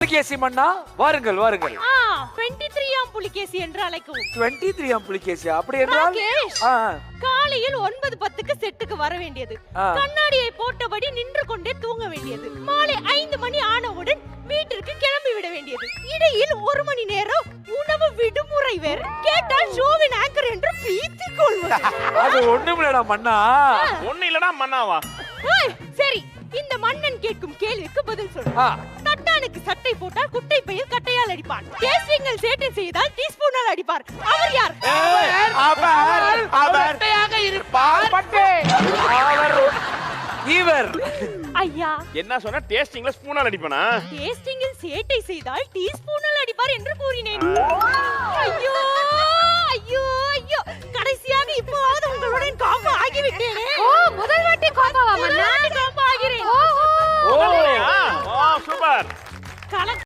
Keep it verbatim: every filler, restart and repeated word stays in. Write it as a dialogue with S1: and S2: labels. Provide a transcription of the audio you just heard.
S1: புலிகேசி மன்னா வாருங்கள் வாருங்கள்.
S2: ஆ இருபத்தி மூன்று ஆம் புலிகேசி என்று அழைக்கவும்.
S1: இருபத்தி மூன்று ஆம் புலிகேசி அப்படி என்றால்
S2: ராகேஷ்,
S1: ஆ
S2: காலையில் ஒன்பது பத்துக்கு செட்டுக்கு வர வேண்டியது.
S1: ஆ.
S2: கண்ணாடியை போட்டபடி நின்று கொண்டே தூங்க வேண்டியது. மாலை ஐந்து மணி ஆனவுடன் வீட்டிற்கு கிளம்பி விட வேண்டியது. இடையில் ஒரு மணி நேரம் உணவு விடுமுறை வேற. கேட்டால் ஷோவின் ஆங்கர் என்று பீத்திக் கொள்வது.
S1: அது ஒண்ணுமில்லடா மன்னா.
S3: ஒண்ணு இல்லனா மன்னாவா?
S2: ஏய், சரி, இந்த மன்னன் கேட்கும் கேள்விக்கு பதில் சொல்லு.
S1: ஆ
S2: தட்டானுக்கு சட்டை போட்டால் குட்டை பையில் கட்டையால் அடிப்பார். டேஸ்டிங்கில் சேட்டை செய்தால் டீஸ்பூனால் அடிப்பார். அவர் யார்?
S1: அவர் அவர் இருப்பார். பட்டே அவர் இவர்.
S2: ஐயா,
S3: என்ன சொன்ன? டேஸ்டிங்ல ஸ்பூனால அடிப்பனா?
S2: டேஸ்டிங்கில் சேட்டை செய்தால் டீஸ்பூனால் அடிப்பார் என்று கூறினேன். ஐயோ ஐயோ ஐயோ, கடைசியாக இப்போவாவது உங்களுடன் காம்போ ஆகிவிட்டேனே.
S4: ஓ, முதல் வாட்டி காம்பாவா மன்னா?
S2: காம்போ ஆகிறேன்.
S3: Oh, super.
S2: கலக்க